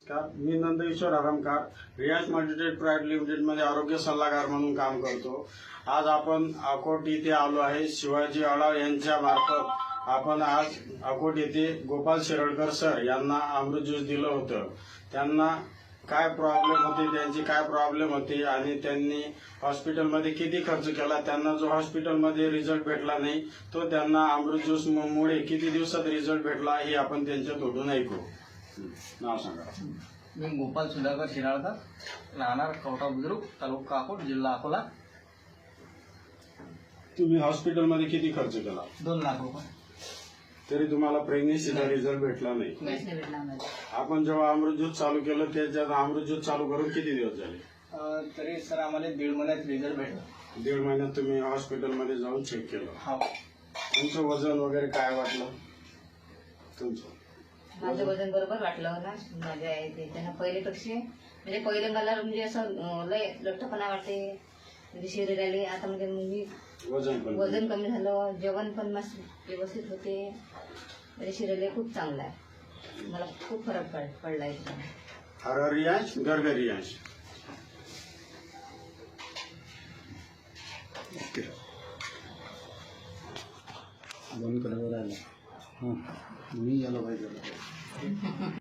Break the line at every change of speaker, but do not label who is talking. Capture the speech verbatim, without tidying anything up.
नमस्कार, मी नंदकिशोर आरामकार रियाज multitrade private लिमिटेडमध्ये आरोग्य सल्लागार म्हणून काम करतो। आज आपण अकोट येथे आलो आहे। शिवाजी आळाव यांच्या मार्फत आपण आज अकोट येथे गोपाल शिरडकर सर यांना अमृत ज्यूस दिलं होतं। त्यांना काय प्रॉब्लेम होते, त्यांची काय प्रॉब्लेम होती आणि त्यांनी हॉस्पिटलमध्ये किती खर्च केला, त्यांना जो हॉस्पिटलमध्ये रिझल्ट भेटला नाही तो त्यांना अमृत ज्यूस मुळे किती दिवसात रिझल्ट भेटला हे आपण त्यांच्या तोडून ऐकू। नाव सांगा।
मी गोपाल सुधाकर शिराळकर, राहणार कवठा बुद्रुक, तालुका अकोट, जिल्हा अकोला।
तुम्ही हॉस्पिटलमध्ये किती खर्च केला?
दोन लाख रुपये।
तरी तुम्हाला प्रेग्नेन्सीचा रिझल्ट भेटला नाही। आपण जेव्हा अमृत ज्यूस चालू केलं त्याच्यात अमृत ज्यूस चालू करून किती दिवस झाले?
तरी सर आम्हाला दीड महिन्यात रिझल्ट भेटला।
दीड महिन्यात तुम्ही हॉस्पिटलमध्ये जाऊन चेक केलं?
हो।
तुमचं वजन वगैरे काय वाटलं तुमचं?
माझं वजन बरोबर वाटलं ना माझ्या आहे त्यांना पहिलेपेक्षा, म्हणजे पहिले मला म्हणजे असं लय लठ्ठपणा वाटते, म्हणजे शरीर आले। आता म्हणजे मी
वजन पण
वजन कमी झालं, जेवण पण मस्त व्यवस्थित होते, म्हणजे शरीर खूप चांगलं आहे। मला खूप फरक पड पडला आहे।
हर रियांश गर्ग रियांश बंद करावं राहिलं मी याला पाहिजे।